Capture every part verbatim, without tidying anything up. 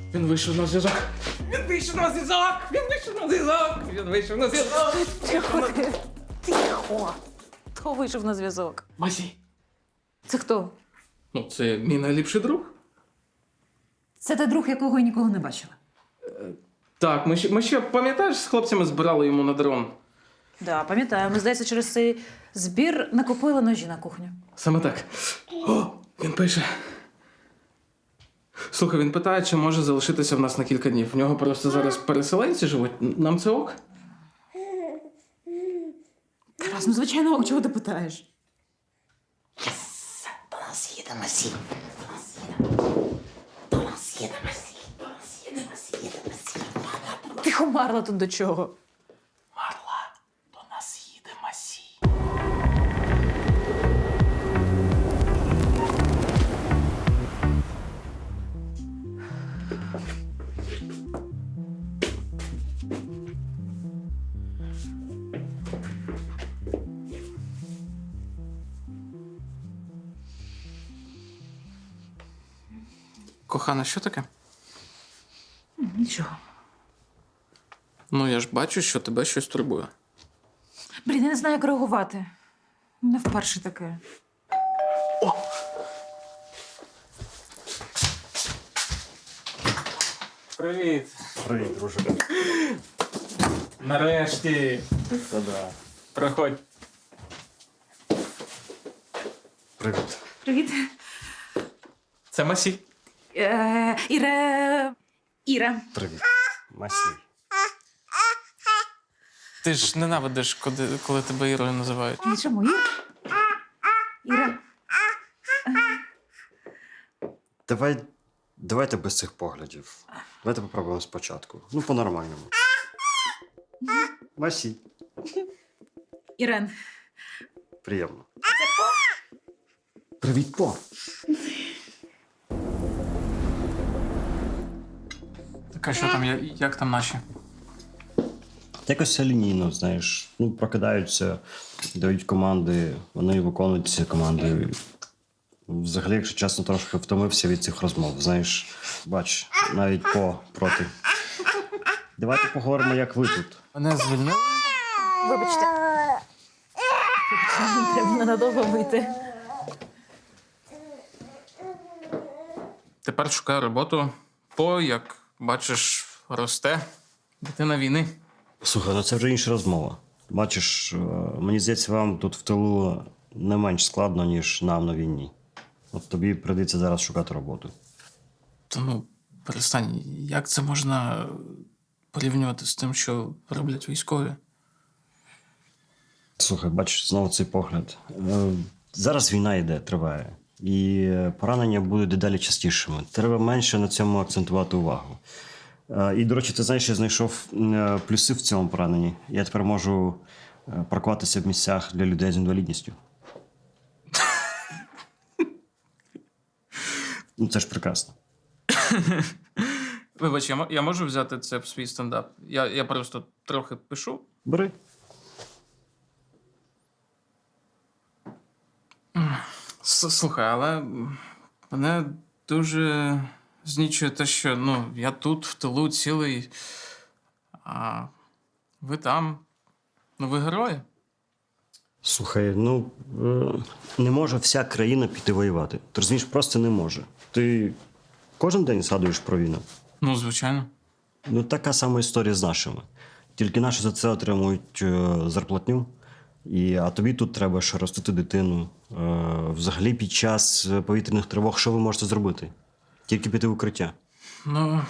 Він вийшов на зв'язок. Він вийшов на зв'язок! Він вийшов на зв'язок! Він вийшов на зв'язок! Тихо, ти. Тихо. Хто вийшов на зв'язок? Масій. Це хто? Ну, це мій найліпший друг. Це той друг, якого я ніколи не бачила. Так, ми ще, ми ще пам'ятаєш, з хлопцями збирали йому на дрон? Да, пам'ятаю. Ми, здається, через цей збір накупили ножі на кухню. Саме так. О, він пише. Слухай, він питає, чи може залишитися в нас на кілька днів. В нього просто зараз переселенці живуть. Нам це ок? Тарас, ну звичайно, ок, чого ти питаєш? До нас їде Масій. До нас їде. До нас їде Масій. До нас їде Масій. Їде Масій. Тихо, Марла, тут до чого? Марла, до нас їде Масій. Кохана, що таке? Нічого. Ну, я ж бачу, що тебе щось турбує. Блін, я не знаю, як реагувати. Не вперше таке. Привіт. Привіт, друже. Нарешті. Та-да. Проходь. Привіт. Привіт. Це Масій. Е, Іра... Іра. Привіт. Масій. Ти ж ненавидиш, коли, коли тебе Ірою називають. Ні, чому? Іра? Іра. Давай, давайте без цих поглядів. Давайте попробуємо спочатку. Ну, по-нормальному. Масій. Ірен. Приємно. Привіт, По. Так, а що там, я- як там наші? Якось все лінійно, знаєш. Ну, прокидаються, дають команди, вони виконують ці команди. Взагалі, якщо чесно, трошки втомився від цих розмов. Знаєш, бач, навіть По проти. Давайте поговоримо, як ви тут. Мене звільнили? Вибачте. Вибачте, треба ненадовго вийти. Тепер шукаю роботу. По, як бачиш, росте. Дитина війни. Слухай, ну це вже інша розмова. Бачиш, е, мені здається, вам тут в тилу не менш складно, ніж нам на війні. От тобі прийдеться зараз шукати роботу. Та ну, перестань, як це можна порівнювати з тим, що роблять військові? Слухай, бачиш, знову цей погляд. Е, Зараз війна йде, триває. І поранення будуть дедалі частішими. Треба менше на цьому акцентувати увагу. Е, І, до речі, ти знаєш, я знайшов е, плюси в цьому пораненні. Я тепер можу е, паркуватися в місцях для людей з інвалідністю. Ну, це ж прекрасно. Вибач, я, мо- я можу взяти це в свій стендап? Я, я просто трохи пишу. Бери. С- Слухай, але мене дуже знічує те, що ну, я тут, в тилу цілий, а ви там. Ну, ви герої. Слухай, ну е, не може вся країна піти воювати. Ти розумієш, просто не може. Ти кожен день згадуєш про війну. Ну, звичайно. Ну, така сама історія з нашими. Тільки наші за це отримують е, зарплатню. І, а тобі тут треба ще ростити дитину. Е, взагалі, під час повітряних тривог, що ви можете зробити? Тільки піти в укриття. Ну.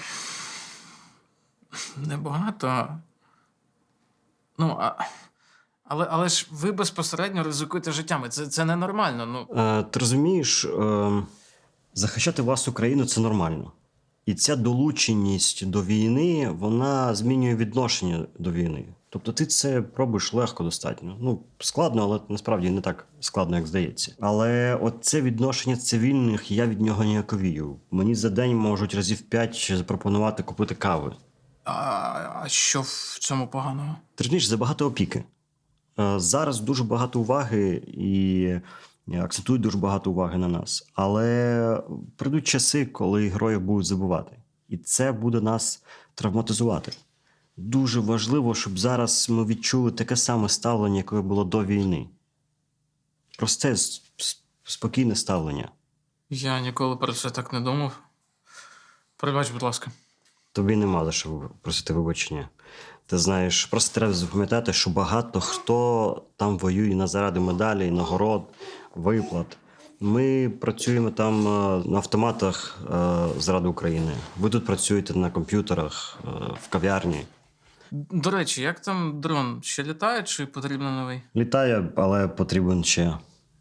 Небагато. Ну, а. Але, але ж ви безпосередньо ризикуєте життями. Це, це ненормально. Ну. Е, ти розумієш, е, захищати власну країну це нормально. І ця долученість до війни, вона змінює відношення до війни. Тобто ти це пробуєш легко достатньо. Ну, складно, але насправді не так складно, як здається. Але от це відношення цивільних, я від нього ніяковію. Мені за день можуть разів п'ять запропонувати купити кави. А, а що в цьому поганого? Ти розумієш, забагато опіки. Е, Зараз дуже багато уваги і акцентують дуже багато уваги на нас. Але прийдуть часи, коли героїв будуть забувати. І це буде нас травматизувати. Дуже важливо, щоб зараз ми відчули таке саме ставлення, яке було до війни. Просте, с- с- спокійне ставлення. Я ніколи про це так не думав. Пробач, будь ласка. Тобі нема за що просити вибачення. Ти знаєш, просто треба запам'ятати, що багато хто там воює на заради медалей, нагород, виплат. Ми працюємо там е, на автоматах е, заради України. Ви тут працюєте на комп'ютерах, е, в кав'ярні. До речі, як там дрон? Ще літає чи потрібно новий? Літає, але потрібен ще.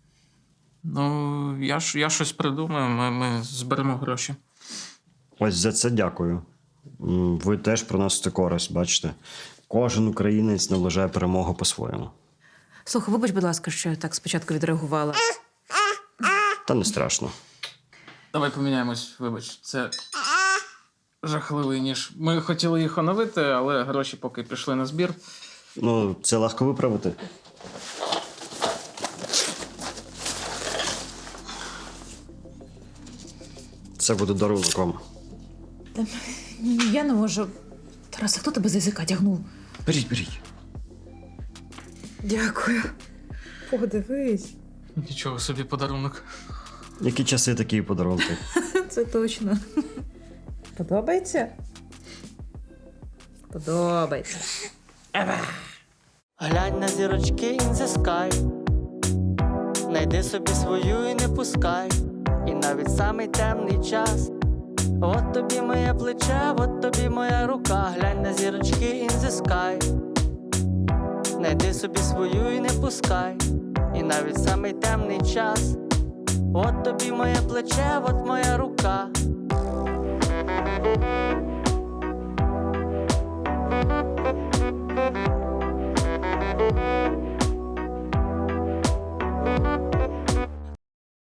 Ну, я, ж, я щось придумаю, ми, ми зберемо гроші. Ось за це дякую. М, Ви теж приносите користь, бачите? Кожен українець наближає перемогу по-своєму. Слухай, вибач, будь ласка, що я так спочатку відреагувала. Та не страшно. Давай поміняємось, вибач, це жахливий ніж. Ми хотіли їх оновити, але гроші поки пішли на збір. Ну, це легко виправити. Це буде дарунком. Я не можу. Тарас, а хто тебе з язика тягнув? Беріть, беріть. Дякую. Подивись. Нічого собі подарунок. Які часи, такі і подарунки. Це точно. Подобається? Подобається. Глянь на зірочки in the sky. Найди собі свою і не пускай. І навіть самий темний час. От тобі моє плече, от тобі моя рука. Глянь на зірочки in the sky. Найди собі свою і не пускай. І навіть самий темний час. От тобі моє плече, от моя рука. Thank you.